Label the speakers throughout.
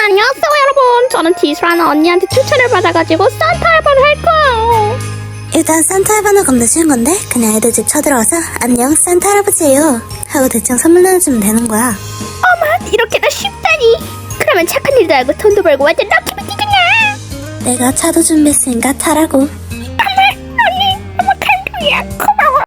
Speaker 1: 안녕하세요 여러분. 저는 디스라는 언니한테 추천을 받아가지고 산타 알바를 할 거예요.
Speaker 2: 일단 산타 할아버지는 겁나 쉬운 건데 그냥 애들 집 쳐들어와서 안녕 산타 할아버지예요 하고 대충 선물 나눠주면 되는 거야.
Speaker 1: 어머, 이렇게나 쉽다니. 그러면 착한 일도 하고 돈도 벌고 완전 럭키비티겠네.
Speaker 2: 내가 차도 준비했으니까 타라고.
Speaker 1: 언니 너무 감동이야. 고마워.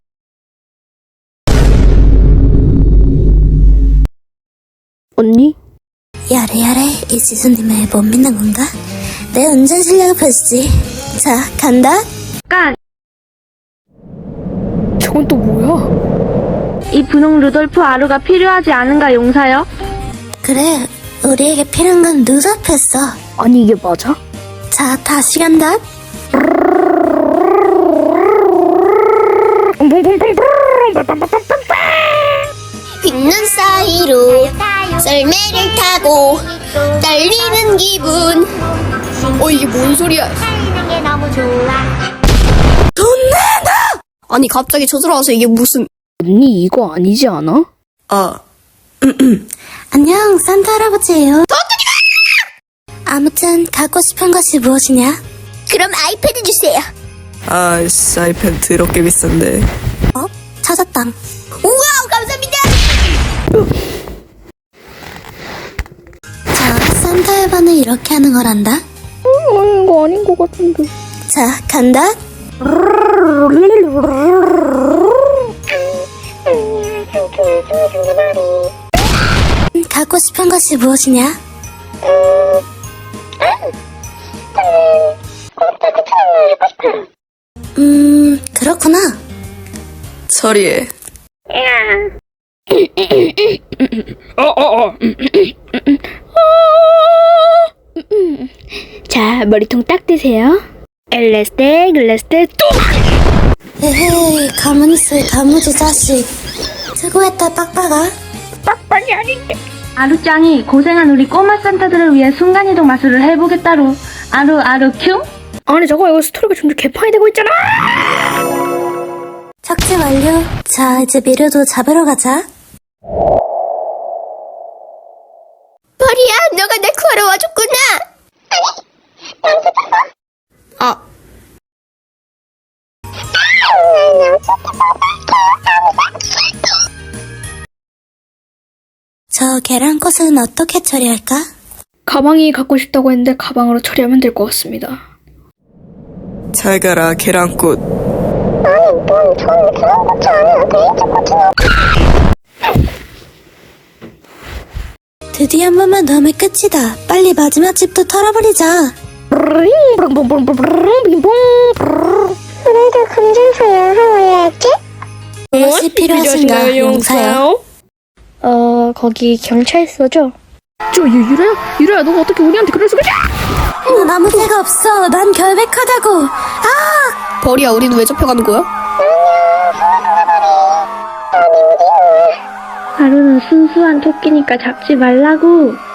Speaker 1: 언니?
Speaker 2: 야래 이 지수님을 못 믿는 건가? 내 운전 실력을 보여주지. 자 간다.
Speaker 3: 깐!
Speaker 1: 저건 또 뭐야?
Speaker 3: 이 분홍 루돌프 아루가 필요하지 않은가 용사여?
Speaker 2: 그래 우리에게 필요한 건 눈앞했어.
Speaker 1: 아니 이게 맞아?
Speaker 2: 자 다시 간다. 흰눈 사이로 썰매를 타고 달리는 기분.
Speaker 1: 이게 뭔 소리야?
Speaker 2: 돈 내놔!
Speaker 1: 아니 갑자기 쳐들어와서 이게 무슨... 언니 이거 아니지 않아?
Speaker 2: 안녕 산타 할아버지예요. 아무튼 갖고 싶은 것이 무엇이냐? 그럼 아이패드 주세요.
Speaker 4: 아이씨, 아이패드 더럽게 비싼데.
Speaker 2: 찾았당. 우와 감사합니다. 자 산타 할바는 이렇게 하는 거란다.
Speaker 1: 이거 아닌 것 같은데.
Speaker 2: 자 간다. 갖고 싶은 것이 무엇이냐? 그렇구나.
Speaker 4: 처리해.
Speaker 1: 자, 머리통 딱 대세요. 엘레스테, 글레스테, 또!
Speaker 2: 에헤이 가만히 있어 가무지 자식. 수고했다 빡빡아.
Speaker 1: 빡빡이 아닌데.
Speaker 3: 아루짱이 고생한 우리 꼬마 산타들을 위해 순간이동 마술을 해보겠다로. 아루 큐?
Speaker 1: 아니 저거 이거 스토리가 점점 개판이 되고 있잖아.
Speaker 2: 착지 완료. 자 이제 미르도 잡으러 가자.
Speaker 1: 버리야, 너가 날 구하러 와줬구나.
Speaker 2: 저 계란꽃은 어떻게 처리할까?
Speaker 1: 가방이 갖고 싶다고 했는데 가방으로 처리하면 될 것 같습니다.
Speaker 4: 잘 가라, 계란꽃.
Speaker 2: 드디어 한 번만 더 하면 끝이다. 빨리 마지막 집도 털어버리자.
Speaker 1: 그래도 금전소야 하와야 했지?
Speaker 2: 무엇이 필요하신가 용사요?
Speaker 1: 거기 경찰서죠? 유라야 너가 어떻게 우리한테 그럴 수가 있냐?
Speaker 2: 난 아무 데가 없어. 난 결백하다고.
Speaker 1: 버리야, 우리는 왜 잡혀가는 거야?
Speaker 3: 아루는 순수한 토끼니까 잡지 말라고.